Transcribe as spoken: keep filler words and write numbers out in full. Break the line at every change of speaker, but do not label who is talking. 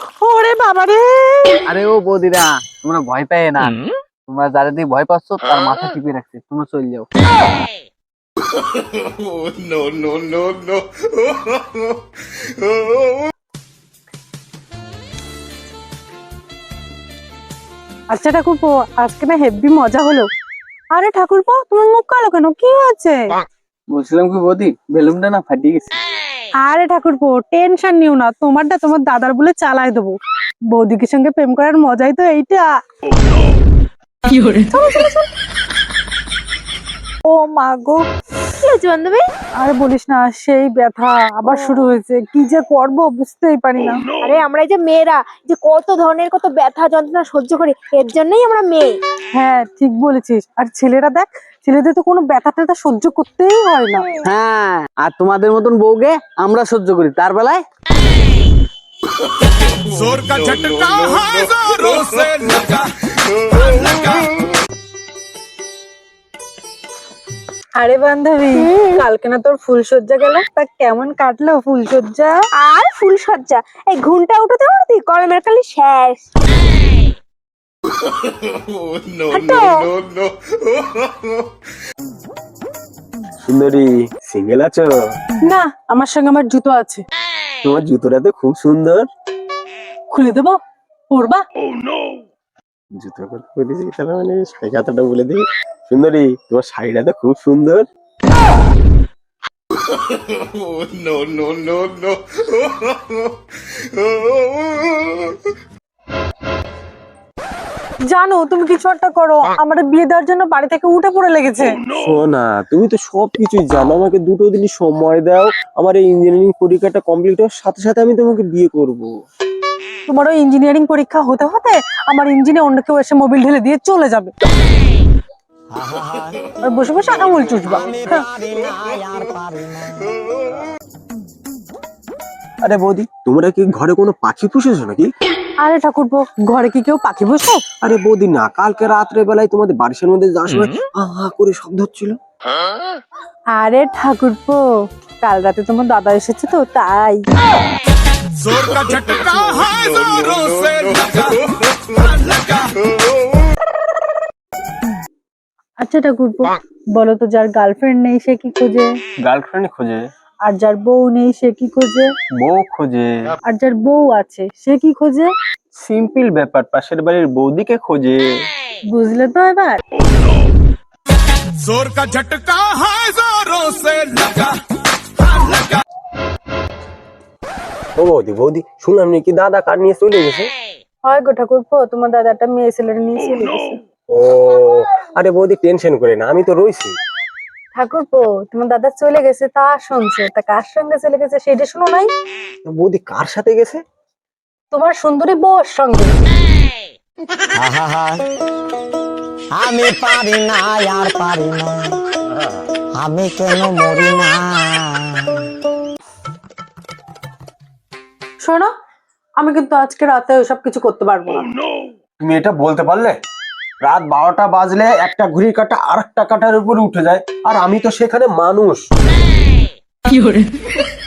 ওরে বাবা রে!
আরে ও বৌদিরা, তোমরা ভয় পেয়ে না। তোমরা যারা দিয়ে ভয় পাচ্ছ তার মাথা টিপে রাখছে, তোমরা চলে যাও।
no, no, no, no.
আচ্ছা ঠাকুরপো, আজকে না হেব্বি মজা হলো। আরে ঠাকুরপো, তোমার মুখ কালো কেন? কি হয়েছে?
বলছিলাম কি বৌদি, বেলুনটা না ফাটিয়ে গেছে।
আরে ঠাকুরপো, টেনশন নিও না, তোমারটা তোমার দাদার বলে চালায় দেবো। বৌদিকে সঙ্গে প্রেম করার মজাই তো এইটা। চলো, চলো, চলো। ও মা গো,
কি হয়েছে বান্ধবী?
আরে বলিস না, সেই ব্যথা আবার শুরু হয়েছে। কি যে করবো বুঝতেই পারি না।
আরে আমরা এই যে মেয়েরা যে কত ধরনের কত ব্যথা যন্ত্রণা সহ্য করি, এর জন্যই আমরা মেয়ে।
হ্যাঁ ঠিক বলেছিস। আর ছেলেরা দেখ, ছেলেদের তো কোনো ব্যথা ট্যাথা সহ্য করতেই হয় না।
হ্যাঁ, আর তোমাদের মতন বউকে আমরা সহ্য করি, তার বেলায়
जोर का झटका है जोरों से लगा लगा।
আরে বান্ধবী, কালকে না তোর ফুলসজ্জা গেল, তা কেমন কাটলো ফুলসজ্জা?
আর ফুল সজ্জা, এই ঘুমটা উঠতে পারতি কলমের কালি শেষ।
No, no, no, no.
সুন্দরী, সিঙ্গেল আছো?
না, আমার সঙ্গে আমার জুতো আছে।
তোমার জুতোটা তো খুব সুন্দর।
খুলে দেবো, পরবা?
জুতোর কথা বলেছি, তাহলে মানে শাড়ি কথাটা বলে দিই। সুন্দরী, তোমার শাড়িটা তো খুব সুন্দর।
No, no, no, no.
জানো, তুমি কিছু একটা করো, আমার বিয়ে দেওয়ার জন্য বাড়ি থেকে উঠে পড়ে লেগেছে।
শোনা, তুমি তো সবকিছুই জানো, আমাকে দুটো দিন সময় দাও। আমার এই ইঞ্জিনিয়ারিং পরীক্ষাটা কমপ্লিট হওয়ার সাথে সাথে আমি তোমাকে বিয়ে করব।
তোমার ওই ইঞ্জিনিয়ারিং পরীক্ষা হতে হতে আমার ইঞ্জিনে অন্য কেউ এসে মোবিল ঢেলে দিয়ে চলে যাবে। আর বসে বসে আঙুল চুষবা। হ্যাঁ।
আরে বৌদি, তোমরা কি ঘরে কোনো পাখি পুষেছো নাকি?
আরে ঠাকুরপো, ঘরে কি কেউ পাখি বসে?
আরে বৌদি না, কালকে রাত্রে বেলায় তোমাদের বারিশের মধ্যে যাওয়ার সময় আ আ করে শব্দ হচ্ছিল।
আরে ঠাকুরপো, কাল রাতে তোমার দাদা এসেছে তো তাই।
जोर का झटका है जोरों से लगा लगा।
আচ্ছা ঠাকুরপো, বলো তো, যার গার্লফ্রেন্ড নেই সে কি খোঁজে?
গার্লফ্রেন্ড খোঁজে,
আর যার বউ নেই সে কি খোঁজে?
বউ খোঁজে।
আর যার বউ আছে সে কি খোঁজে?
সিম্পল ব্যাপার, পাশের বাড়ির বৌদিকে খোঁজে।
বুঝলে তো এবার?
जोर का झटका है जोरों से लगा लगा।
ও বৌদি, বৌদি শুনলাম নাকি দাদা কার নিয়ে চলে গেছে?
হয় গো ঠাকুরপো, তোমার দাদাটা মেয়ে ছেলের নিয়ে চলে গেছে।
ও, আরে বৌদি টেনশন করে না, আমি তো রইছি।
ঠাকুরপো, তোমার দাদা চলে গেছে তা শুনছে, তা কার সঙ্গে চলে গেছে সেটা শুনো নাই?
বৌদি কার সাথে গেছে?
তোমার সুন্দরী বউর সঙ্গে।
আমি পারি না, আর পারি না, আমি কেন মরি না।
শোনো, আমি কিন্তু আজকে রাতে ওইসব কিছু করতে পারবো না।
তুমি এটা বলতে পারলে? রাত বারোটা বাজলে একটা ঘড়ির কাঁটা আর একটা কাঁটার উপরে উঠে যায়, আর আমি তো সেখানে মানুষ।